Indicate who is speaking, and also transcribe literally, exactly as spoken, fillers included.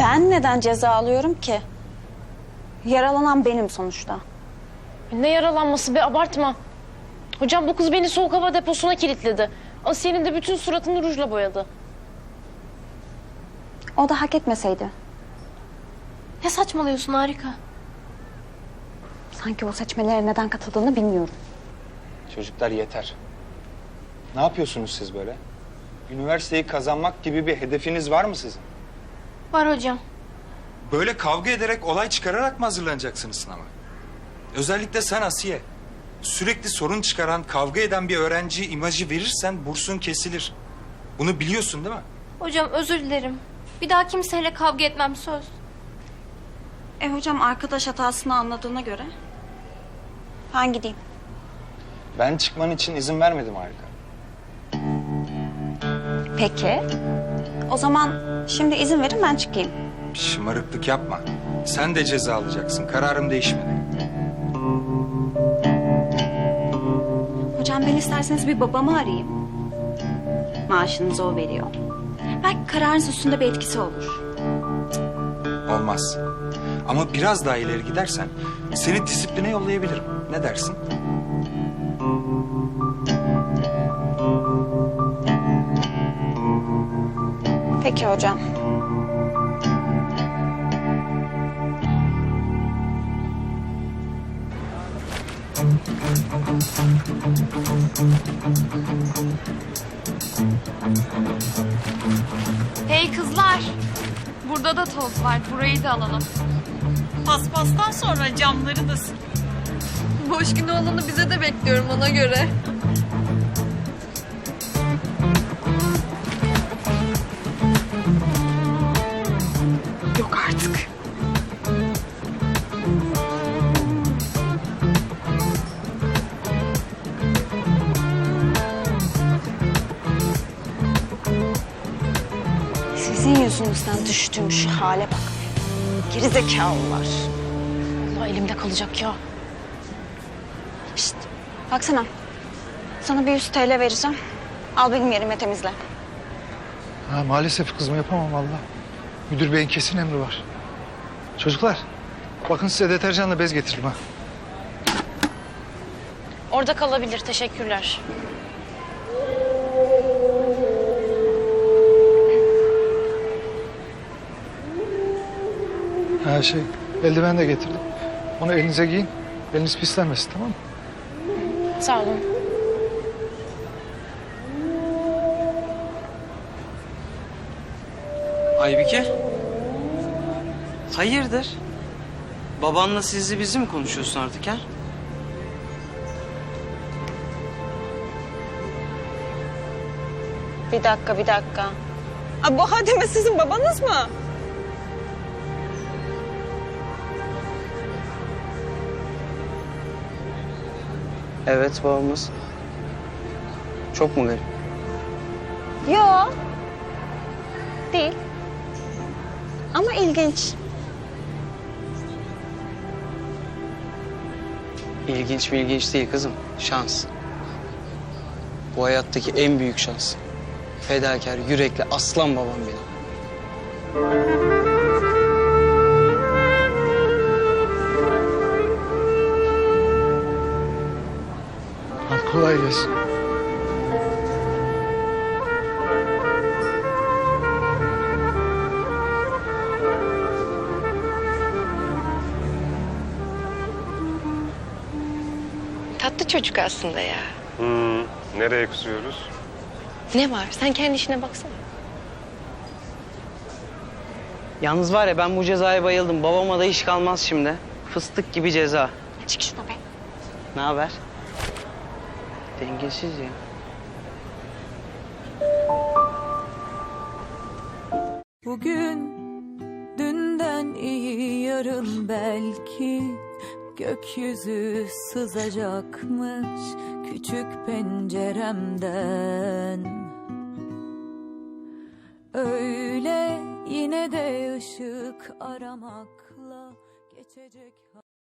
Speaker 1: Ben neden ceza alıyorum ki? Yaralanan benim sonuçta.
Speaker 2: Ne yaralanması be, abartma. Hocam bu kız beni soğuk hava deposuna kilitledi. Asiye'nin de bütün suratını rujla boyadı.
Speaker 1: O da hak etmeseydi.
Speaker 2: Ne saçmalıyorsun Harika?
Speaker 1: Sanki o seçmelere neden katıldığını bilmiyorum.
Speaker 3: Çocuklar yeter. Ne yapıyorsunuz siz böyle? Üniversiteyi kazanmak gibi bir hedefiniz var mı sizin?
Speaker 2: Var hocam.
Speaker 3: Böyle kavga ederek, olay çıkararak mı hazırlanacaksınız sınava? Özellikle sen Asiye. Sürekli sorun çıkaran, kavga eden bir öğrenci imajı verirsen bursun kesilir. Bunu biliyorsun değil mi?
Speaker 4: Hocam özür dilerim. Bir daha kimseyle kavga etmem, söz.
Speaker 1: E hocam arkadaş hatasını anladığına göre ben gideyim.
Speaker 3: Ben çıkman için izin vermedim Harika.
Speaker 1: Peki. O zaman şimdi izin verin ben çıkayım.
Speaker 3: Şımarıklık yapma. Sen de ceza alacaksın. Kararım değişmedi.
Speaker 1: Hocam ben isterseniz bir babamı arayayım. Maaşınızı o veriyor. Belki kararınız üstünde bir etkisi olur.
Speaker 3: Olmaz. Ama biraz daha ileri gidersen seni disipline yollayabilirim. Ne dersin?
Speaker 1: Peki hocam.
Speaker 4: Hey kızlar. Burada da toz var. Burayı da alalım.
Speaker 5: Paspastan sonra camları da sil.
Speaker 4: Boş günü olanı bize de bekliyorum ona göre.
Speaker 1: Yok artık. Sizin yüzünüzden düştüğüm şu hale bak. Gerizekalılar.
Speaker 2: Allah elimde kalacak ya.
Speaker 1: Şişt, baksana. Sana bir yüz T L vereceğim. Al benim yerime temizle.
Speaker 6: Ha, maalesef kızım yapamam vallahi. Müdür beyin kesin emri var. Çocuklar bakın size deterjanla bez getirdim ha.
Speaker 2: Orada kalabilir, teşekkürler.
Speaker 6: Ha şey eldiven de getirdim. Onu elinize giyin. Eliniz pislenmesin, tamam mı?
Speaker 2: Sağ olun.
Speaker 7: Aybike. Hayırdır? Babanla sizli bizi mi konuşuyorsun artık ha?
Speaker 1: Bir dakika, bir dakika. Aa, bu Hademe sizin babanız mı?
Speaker 7: Evet, babamız. Çok mu garip?
Speaker 1: Yo. Değil. Ama ilginç.
Speaker 7: İlginç mi ilginç değil kızım. Şans. Bu hayattaki en büyük şans. Fedakar, yürekli aslan babam benim.
Speaker 6: Hadi kolay gelsin.
Speaker 8: Tatlı çocuk aslında ya.
Speaker 9: Hmm, nereye kusuyoruz?
Speaker 8: Ne var? Sen kendi işine baksana.
Speaker 7: Yalnız var ya, ben bu cezaya bayıldım. Babama da iş kalmaz şimdi. Fıstık gibi ceza.
Speaker 1: Çık şuna be.
Speaker 7: Ne haber? Dengesiz ya.
Speaker 10: Bugün dünden iyi, yarın belki gökyüzü sızacakmış küçük penceremden. Öyle yine de ışık aramakla geçecek.